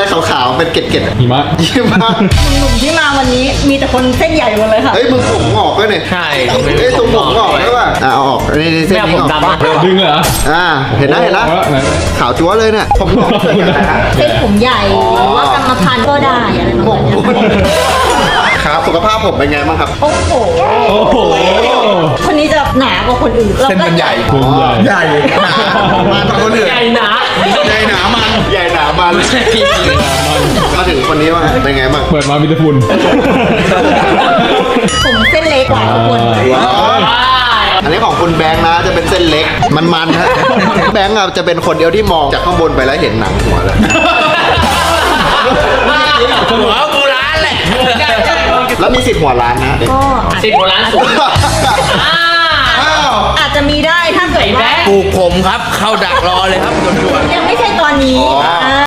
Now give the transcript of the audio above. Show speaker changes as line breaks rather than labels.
ขาวๆเป็นเกล็ดๆ
หิมะ
หิมะ
หนุ่มที่มาวันนี้มีแต่คนเส้นใหญ่หมดเลยค่ะ
เฮ้ยมึงผมงอกด้วยเนี่ย
ใช่
เฮ้ยตรงผมงอกด้วยว่ะเอาออกนี่เส้นนี้ออก
ดึงเลยเหรอ
เห็นนะ
ไหน
ขาวจั๊วเลยเนี่ยผมงอก
เส้นผมใหญ่หรือว่ากรรมพันธุ์ก็ได้อะไรประมาณนี้
ครับสุขภาพผมเป็นไงบ้างครับ
โอ้โห
โอ้โห
คนนี้จะหนากว่าคนอื่นเรา
เส้น
ก็
มันใหญ่
ดึงใหญ่
ใหญ่หนามาทางคนอื่น
ใหญ่หนา
ใหญ่หนามันใหญ่หนามันมาถึงคนนี้ว่าเป็นไงบ้าง
เปิดมามีแต่ฝุ่น
ผมเส้นเล็กกว่าทุกคน
ว้าวอันนี้ของคุณแบงค์นะจะเป็นเส้นเล็กมันฮะแบงค์อะจะเป็นคนเดียวที่มองจากข้างบนไปแล้วเห็นหนังหัวเลย
หัวโบราณแหละ
แล้วมีสิทธิ์หัวล้านนะ
ก็
10 กว่าล้านสูง
อ้าว
อาจจะมีได้ถ้าเกิดว่า
ปลูกผมครับ เข้าดักรอเลยครับด่วนๆ
ยังไม่ใช่ตอนนี้